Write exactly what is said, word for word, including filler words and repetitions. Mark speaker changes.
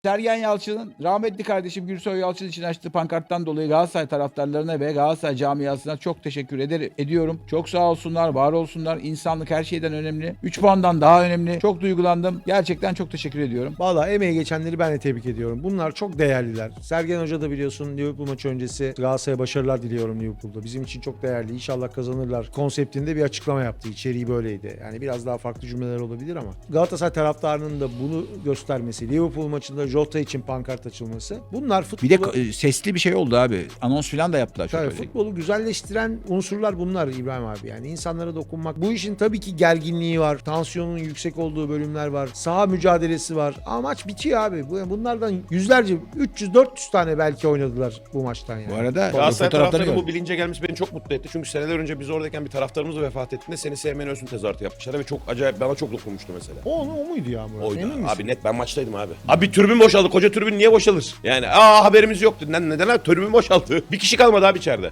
Speaker 1: Sergen Yalçın'ın rahmetli kardeşim Gürsoy Yalçın için açtığı pankarttan dolayı Galatasaray taraftarlarına ve Galatasaray camiasına çok teşekkür eder, ediyorum. Çok sağ olsunlar, var olsunlar. İnsanlık her şeyden önemli. üç puandan daha önemli. Çok duygulandım. Gerçekten çok teşekkür ediyorum.
Speaker 2: Valla emeği geçenleri ben de tebrik ediyorum. Bunlar çok değerliler. Sergen Hoca da biliyorsun Liverpool maçı öncesi Galatasaray'a başarılar diliyorum Liverpool'da. Bizim için çok değerli. İnşallah kazanırlar. Konseptinde bir açıklama yaptı. İçeriği böyleydi. Yani biraz daha farklı cümleler olabilir ama Galatasaray taraftarının da bunu göstermesi, Liverpool maçında Jota için pankart açılması. Bunlar futbolu...
Speaker 1: Bir de e, sesli bir şey oldu abi. Anons falan da yaptılar. Çok
Speaker 2: Tabii,
Speaker 1: öyle.
Speaker 2: futbolu güzelleştiren unsurlar bunlar İbrahim abi. Yani insanlara dokunmak. Bu işin tabii ki gerginliği var. Tansiyonun yüksek olduğu bölümler var. Saha mücadelesi var. Ama maç bitiyor abi. Bu- Bunlardan yüzlerce, üç yüz dört yüz tane belki oynadılar bu maçtan yani.
Speaker 1: Bu arada
Speaker 3: Galatasaray
Speaker 1: fotoğrafları
Speaker 3: taraftarının
Speaker 1: gördüm.
Speaker 3: bu bilince gelmesi beni çok mutlu etti. Çünkü seneler önce biz oradayken bir taraftarımız vefat ettiğinde seni sevmeni özün tezahüratı yapmışlar ve çok acayip, bana çok dokunmuştu mesela.
Speaker 2: O, o muydu ya Murat?
Speaker 3: Oydu.
Speaker 2: Emin misin?
Speaker 3: Abi net ben maçtaydım abi. Abi bir tribün boşaldı. Koca tribün niye boşalır? Yani aa haberimiz yoktu. Neden, neden abi? Tribün boşaldı. Bir kişi kalmadı abi içeride.